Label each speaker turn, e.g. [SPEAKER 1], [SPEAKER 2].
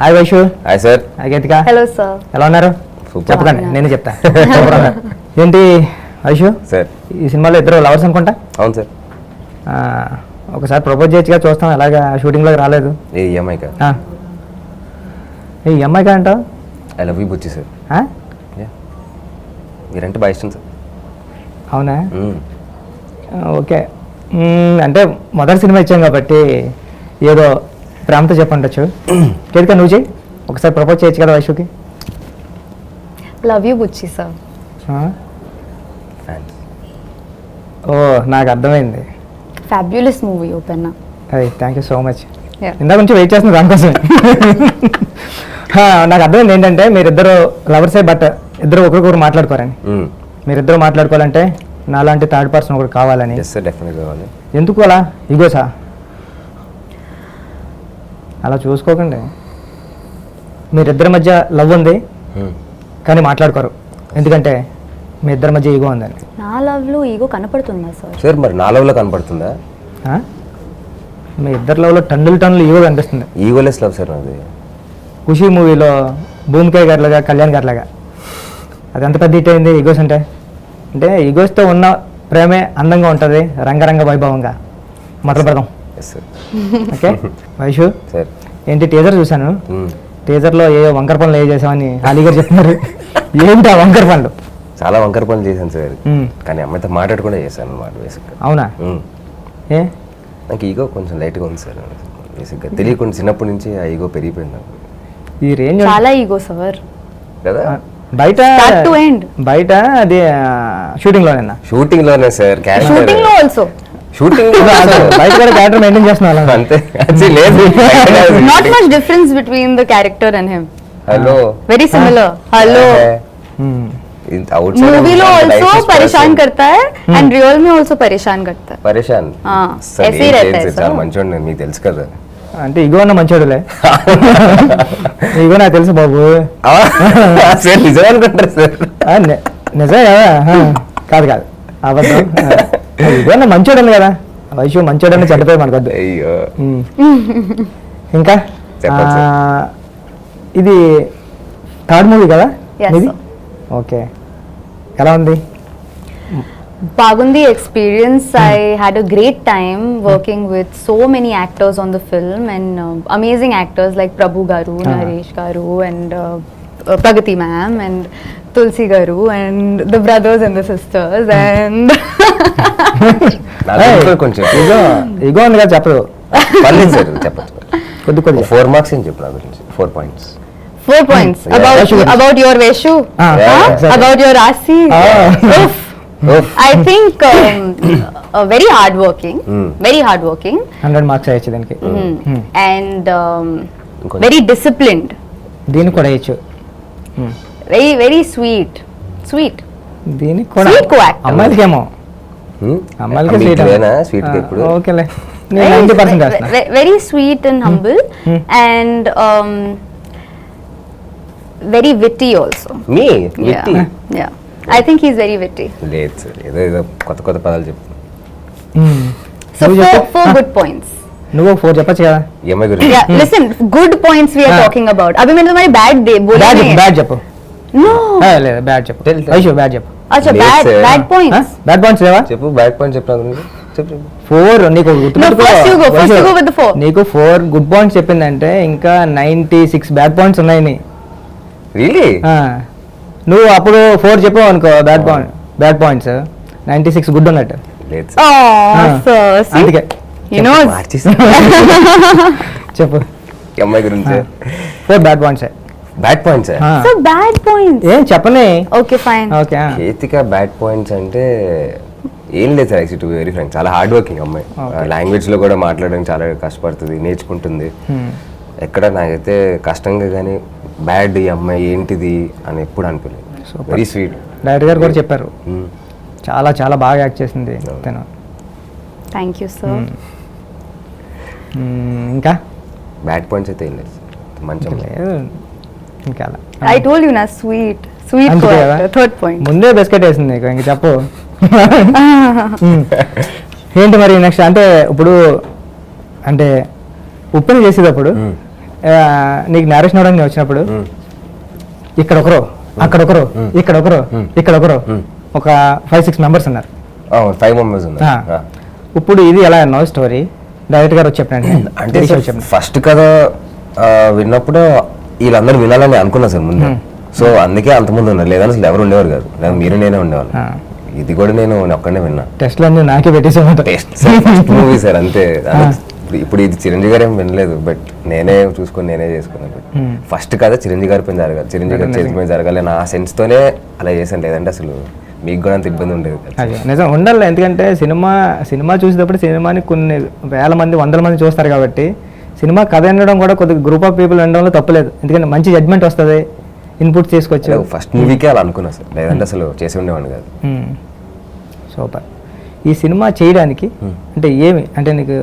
[SPEAKER 1] Hi Vaishu.
[SPEAKER 2] Hi sir.
[SPEAKER 1] Hi Geethika.
[SPEAKER 3] Hello sir.
[SPEAKER 1] ఎలా ఉన్నారు? చెప్పకండి, నేను చెప్తా. ఏంటి వైషు
[SPEAKER 2] సార్,
[SPEAKER 1] ఈ సినిమాలో ఇద్దరు లవర్స్ అనుకుంటా?
[SPEAKER 2] అవును సార్.
[SPEAKER 1] ఒకసారి ప్రపోజ్ చేయొచ్చుగా, చూస్తాం. ఎలాగా షూటింగ్లోకి రాలేదు?
[SPEAKER 2] ఏ ఈఎంఐ కా?
[SPEAKER 1] ఈ అమ్మాయి కా అంటావు?
[SPEAKER 2] I love you Buchi sir. మీరంటే బాగా ఇష్టం సార్.
[SPEAKER 1] అవునా? ఓకే. అంటే మొదటి సినిమా ఇచ్చాం కాబట్టి ఏదో ప్రేమతో చెప్పండొచ్చు. కేతిక నువ్వు చెయ్యి, ఒకసారి ప్రపోజ్ చేయొచ్చు కదా వైషుకి.
[SPEAKER 3] Love you Buchi sir.
[SPEAKER 1] ఓ, నాకు అర్థమైంది.
[SPEAKER 3] Fabulous movie open.
[SPEAKER 1] అదే, thank you so much.
[SPEAKER 3] Yeah.
[SPEAKER 1] ఇందాక నుంచి వెయిట్ చేస్తున్నా దానికోసం. నాకు అర్థమైంది ఏంటంటే మీరిద్దరు లవర్సే, బట్ ఇద్దరు ఒకరికొకరు మాట్లాడుకోరని. మీరిద్దరు మాట్లాడుకోవాలంటే నాలాంటి థర్డ్ పర్సన్ ఒకటి కావాలని.
[SPEAKER 2] ఎస్ సార్, డెఫినెట్గా కావాలి.
[SPEAKER 1] ఎందుకు అలా ఇగోసా? అలా చూసుకోకండి. మీరిద్దరి మధ్య లవ్ ఉంది కానీ మాట్లాడుకోరు, ఎందుకంటే మీ ఇద్దరి మధ్య ఈగో ఉందని.
[SPEAKER 3] నా లవ్ లో ఈగో కనపడుతుందా సార్?
[SPEAKER 2] సార్ మరి నా లవ్లో కనపడుతుందా?
[SPEAKER 1] మీ ఇద్దరు లవ్లో టన్నులు ఈగో కనిపిస్తుంది.
[SPEAKER 2] ఈగోలెస్ లవ్ సార్ నాది.
[SPEAKER 1] ఖుషి మూవీలో భూమికాయ గారిలాగా, కళ్యాణ్ గారిలాగా. అది ఎంత పెద్ద హిట్ అయింది ఈగోస్ అంటే. అంటే ఈగోస్తో ఉన్న ప్రేమే అందంగా ఉంటుంది, రంగరంగ వైభవంగా. మొదలు పెడదాం.
[SPEAKER 2] Yes sir.
[SPEAKER 1] Okay Vaishu,
[SPEAKER 2] sir
[SPEAKER 1] ఏంటి టీజర్ చూశాను. టీజర్లో ఏ వంకర పనులు ఏ చేసామని అలీ గారు చెప్తున్నారు. ఏంటి ఆ వంకర పనులు?
[SPEAKER 2] చాలా వంకర పనులు చేశాను సార్, కానీ అమ్మాయితో మాట్లాడకుండా చేశాను అన్నమాట బేసిక్గా.
[SPEAKER 1] అవునా? ఏ
[SPEAKER 2] నాకు ఈగో కొంచెం లైట్గా ఉంది సార్ బేసిక్గా. తెలియకుండా చిన్నప్పటి నుంచి ఆ ఈగో పెరిగిపోయింది నాకు.
[SPEAKER 1] ఈ రేంజ్
[SPEAKER 3] చాలా ఈగో సార్
[SPEAKER 2] కదా.
[SPEAKER 1] బయట బయట అది షూటింగ్లోనేనా?
[SPEAKER 2] షూటింగ్లోనే సార్.
[SPEAKER 3] షూటింగ్ లో ఆల్సో.
[SPEAKER 2] షూటింగ్
[SPEAKER 1] బయట కూడా క్యారెక్టర్ మెయింటైన్ చేస్తున్నా
[SPEAKER 2] అంతే. లేదు,
[SPEAKER 3] not much difference between the character and him.
[SPEAKER 2] Hello,
[SPEAKER 3] very similar. Hello movie लो ऑल्सो परेशान करता है एंड रियल में ऑल्सो परेशान करता है.
[SPEAKER 2] పరేషాన్
[SPEAKER 3] ऐसे ही रहता है
[SPEAKER 2] చాలా మంచోడు, మీకు తెలుసు కదా.
[SPEAKER 1] అంటే ఇగో ఉన్న మంచోడులే. ఇగో నాకు తెలుసు బాబు.
[SPEAKER 2] సార్ నిజం అనుకుంటారు సార్.
[SPEAKER 1] నిజమే కదా? కాదు కాదు, అబద్ధం. ఇగో ఉన్న మంచోడు కదా. వైషు మంచోడని చెడ్డపోయి మనకొద్దు.
[SPEAKER 2] అయ్యో.
[SPEAKER 1] ఇంకా ఇది థర్డ్ మూవీ కదా ఇది? ఓకే, ఎలా ఉంది?
[SPEAKER 3] Bagundi experience. I had a great time working with so many actors on the film and amazing actors like Prabhu Garu, Naresh Garu and Pragati ma'am and Tulsi Garu and the brothers and the sisters and
[SPEAKER 2] కొంచెం
[SPEAKER 1] ఇగో ఉంది కదా, చెప్పదు.
[SPEAKER 2] పర్లేదు sir, చెప్పచ్చు.
[SPEAKER 1] కొద్ది కొద్ది
[SPEAKER 2] 4 marks అని చెప్పు నా గురించి. 4 points.
[SPEAKER 3] 4 points.
[SPEAKER 2] Yeah.
[SPEAKER 3] About your Veshu,
[SPEAKER 1] exactly.
[SPEAKER 3] about your Rasi. I think very hardworking, very hardworking.
[SPEAKER 1] 100 marks అయ్యచ్చు దీనికి.
[SPEAKER 3] And very disciplined.
[SPEAKER 1] దీనికి కూడా అయ్యచ్చు.
[SPEAKER 3] Very very sweet.
[SPEAKER 1] దీనికి కూడా
[SPEAKER 3] Sweet co-actor.
[SPEAKER 1] అమ్మాయిలకేమో, అమ్మాయిలకి స్వీట్.
[SPEAKER 2] స్వీట్ ఇప్పుడు
[SPEAKER 1] ఓకేలే, నేను 90% వేస్తున్నా.
[SPEAKER 3] Very sweet and humble and very witty also.
[SPEAKER 2] మీ witty.
[SPEAKER 3] Yeah. I think he's very witty.
[SPEAKER 2] లేదు సార్, ఏదో కొత్త పదాలు చెప్పు.
[SPEAKER 3] So four good points.
[SPEAKER 1] నువ్వు 4 చెప్పచ్చు కదా.
[SPEAKER 2] ఏమై గురించి?
[SPEAKER 3] Yeah, listen, good points we are talking about. अभी मैंने तुम्हारी bad day बोला नहीं.
[SPEAKER 1] బ్యాడ్ చెప్పు.
[SPEAKER 3] No.
[SPEAKER 1] లేదు, బ్యాడ్ చెప్పు.
[SPEAKER 2] Tell.
[SPEAKER 1] వైషు బ్యాడ్ చెప్పు.
[SPEAKER 3] अच्छा,
[SPEAKER 2] Yes, sir.
[SPEAKER 3] bad points.
[SPEAKER 1] Bad points లేవా?
[SPEAKER 2] చెప్పు, బ్యాక్ పాయింట్ చెప్పు నా గురించి. చెప్పు.
[SPEAKER 1] 4 నీకు గుర్తుపెట్టుకో.
[SPEAKER 3] first you go with the 4.
[SPEAKER 1] నీకు 4 గుడ్ పాయింట్స్ చెప్పిందంటే ఇంకా 96 బ్యాడ్ పాయింట్స్ ఉన్నాయి నీ.
[SPEAKER 2] రియలీ?
[SPEAKER 1] నువ్వు అప్పుడు 4 చెప్పావు అనుకో బ్యాడ్ పాయింట్స్, 96 గుడ్ ఉన్నట్టు.
[SPEAKER 2] లేదు
[SPEAKER 3] Oh, sir. See?
[SPEAKER 1] అందుకే
[SPEAKER 3] You know.
[SPEAKER 1] చెప్పు.
[SPEAKER 2] అమ్మాయి గురించి
[SPEAKER 1] 4 bad points.
[SPEAKER 2] Bad points.
[SPEAKER 3] So bad points.
[SPEAKER 1] ఏం చెప్పని.
[SPEAKER 3] Okay, fine.
[SPEAKER 1] ఓకే.
[SPEAKER 2] కేతిక బ్యాడ్ పాయింట్స్ అంటే ఏం లేదు సార్. Actually to be very frank, చాలా హార్డ్ వర్కింగ్ అమ్మాయి. లాంగ్వేజ్ లో కూడా మాట్లాడడానికి చాలా కష్టపడుతుంది, నేర్చుకుంటుంది. ఎక్కడ నాకైతే కష్టంగా కానీ బ్యాడ్ ఈ అమ్మాయి ఏంటిది అని ఎప్పుడు అనిపించలేదు. Very sweet.
[SPEAKER 1] డైరెక్టర్ గారు కూడా చెప్పారు, చాలా చాలా బాగా యాక్ట్ చేసింది తను.
[SPEAKER 3] Thank you, sir.
[SPEAKER 1] ఇంకా
[SPEAKER 2] బ్యాడ్ పాయింట్స్ అయితే ఏం లేదు, మంచి
[SPEAKER 1] లేదు ఇంకా.
[SPEAKER 3] I told you na sweet co-actor. Third point.
[SPEAKER 1] ముందే బిస్కెట్ వేసింది నీకు, ఇంక చెప్పు. ఏంటి మరి నెక్స్ట్? అంటే ఇప్పుడు అంటే ఉప్పుని చేసేటప్పుడు నీకు నేరేషన్ అవడానికి వచ్చినప్పుడు ఇక్కడ ఒకరు అక్కడ ఒకరు ఇక్కడ ఒకరు ఇక్కడ ఒకరు ఒక 5-6 మెంబర్స్ ఉన్నారు.
[SPEAKER 2] 5 మెంబర్స్ ఉన్నారు.
[SPEAKER 1] ఇప్పుడు ఇది ఎలా అన్నావు స్టోరీ డైరెక్ట్ గారు వచ్చి చెప్పండి.
[SPEAKER 2] అంటే ఫస్ట్ కథ విన్నప్పుడు వీళ్ళందరూ వినాలని అనుకున్నా సార్ ముందు. సో అందుకే అంతమంది ఉన్నారు, లేదని అసలు ఎవరు ఉండేవారు కాదు, లేదా మీరు నేనే ఉండేవాళ్ళు. ఇది కూడా నేను ఒక్కడే విన్నా.
[SPEAKER 1] టెస్ట్లు అన్నీ నాకే పెట్టేసామంట.
[SPEAKER 2] మూవీ సార్ అంతే. ఇప్పుడు ఇది చిరంజీవి గారు ఏం వినలేదు, బట్ నేనే చూసుకొని నేనే చేసుకున్నాను. ఫస్ట్ కథ చిరంజీవి గారి పైన జరగాలి, చిరంజీవి గారి చేతి పైన జరగాలి నా సెన్స్ తోనే అలా చేశాను. లేదంటే అసలు మీకు కూడా అంత ఇబ్బంది ఉండేది.
[SPEAKER 1] అదే నిజం ఉండాలి, ఎందుకంటే సినిమా చూసేటప్పుడు సినిమాని కొన్ని వేల మంది 100 మంది చూస్తారు కాబట్టి సినిమా కథ వినడం కూడా కొద్దిగా గ్రూప్ ఆఫ్ పీపుల్ వినడంలో తప్పలేదు, ఎందుకంటే మంచి జడ్జ్మెంట్ వస్తుంది, ఇన్పుట్ చేసుకోవచ్చు.
[SPEAKER 2] ఫస్ట్ మూవీకే అలా అనుకున్నా సార్, లేదంటే అసలు చేసి ఉండేవాడిని కాదు.
[SPEAKER 1] సూపర్. ఈ సినిమా చేయడానికి అంటే ఏమి అంటే నీకు